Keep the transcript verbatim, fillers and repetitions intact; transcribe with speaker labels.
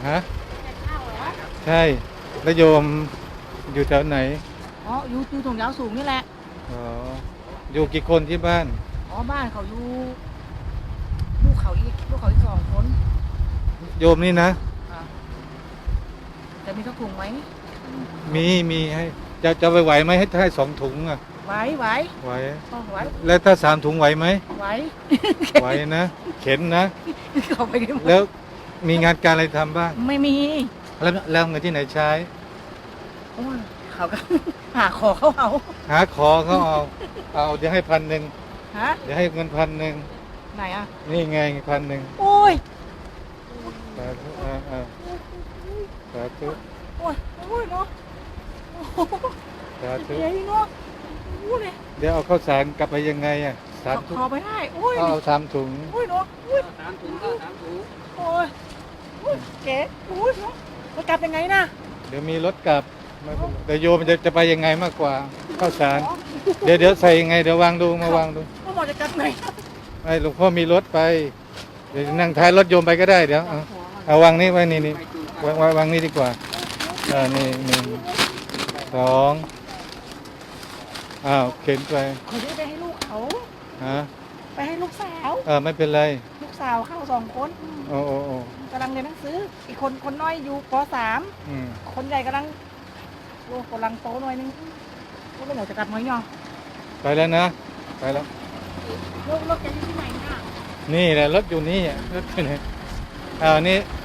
Speaker 1: ฮะ
Speaker 2: แจกข้าวเหรอ
Speaker 1: ใช่แล้วโยมอยู่แถวไหน
Speaker 2: อ๋ออยู่อยู่ตรงยาวสูงนี่แหละ
Speaker 1: อ๋ออยู่กี่คนที่บ้าน
Speaker 2: อ๋อบ้านเขาอยู่ลูกเขาอีกลูกเขาอีกสองคน
Speaker 1: โยมนี่นะ
Speaker 2: อ่าจะมีข้าวถุงไหม
Speaker 1: มีมีให้จะจะไปไหวไหมให้ให้สองถุงอ่ะ
Speaker 2: ไหวไหว
Speaker 1: ไหว
Speaker 2: อ๋อไหว
Speaker 1: แล้วถ้าสามถุงไหวไหม
Speaker 2: ไหว
Speaker 1: ไหวนะเข็นนะ
Speaker 2: เขาไปได้หมด
Speaker 1: แล้วมีงานการอะไรทำบ้าง
Speaker 2: ไม่มี
Speaker 1: แล้วแล้วเงินที่ไหนใช้
Speaker 2: โอ้ยเขาก็ หาขอเขาเอา
Speaker 1: หาขอเขาเอาเอาเดี๋ยวให้พันหนึ่ง
Speaker 2: ฮะ
Speaker 1: เดี๋ยวให้เงินพันหนึ่ง
Speaker 2: ไหนอ่ะ
Speaker 1: นี่ไงพันหนึ่ง
Speaker 2: โอ้ย
Speaker 1: สาธุอ่าอ่าสาธุ
Speaker 2: โอ้ยโอ้ยเนาะโอ้โห
Speaker 1: สาธุ
Speaker 2: เจ๋งเนาะโอ้ยเลย
Speaker 1: เดี๋ยวเอาข้าวสารกลับไปยังไงอ่ะสามถุง
Speaker 2: ขอไปได้โอ้ย
Speaker 1: เอาเอาสามถุง
Speaker 2: โอ้ยเนาะโอ้ย
Speaker 3: สามถุงก็สามถุง
Speaker 2: โอ้ยโอ้ยเก๋โอ้ยเนาะมันกลับยังไงนะ
Speaker 1: เดี๋ยวมีรถกลับไม่เป็นไรแต่โยมจะจะไปยังไงมากกว่าข้าวสารเดี๋ยวเดี๋ยวใส่ยังไงเดี๋ยววางดูมาวางดู
Speaker 2: พ่อบอกจะกลับไหน
Speaker 1: ไอ้หลวงพ่อมีรถไปเดี๋ยวนั่งท้ายรถโยมไปก็ได้เดี๋ยวเอาเอาวางนี่ไว้นี่นี่วางวางวางนี่ดีกว่าอ่านี่หนึ่งสองอ้าวเข็นไป
Speaker 2: เขาจะไปให้ลูกเขา
Speaker 1: ฮะ
Speaker 2: ไปให้ลูกสาว
Speaker 1: เออไม่เป็นไร
Speaker 2: ลูกสาวเข้าสองคน
Speaker 1: โอ้โอ้โอ้
Speaker 2: กำลังเรียนหนังสืออีกคนคนน้อยอยู่ปสาม
Speaker 1: อืม
Speaker 2: คนใหญ่กำลังโอ้กำลังโตหน่อยนึงก็ไม่อยากจะกลับน้อยเนาะ
Speaker 1: ไปแล้วนะไปแล้ว
Speaker 2: ลูกลูกจะอยู่ที่ไหนเนี่ย
Speaker 1: นี่แหละรถอยู่นี่อ่ะรถอยู่ไหนอ้าวนี่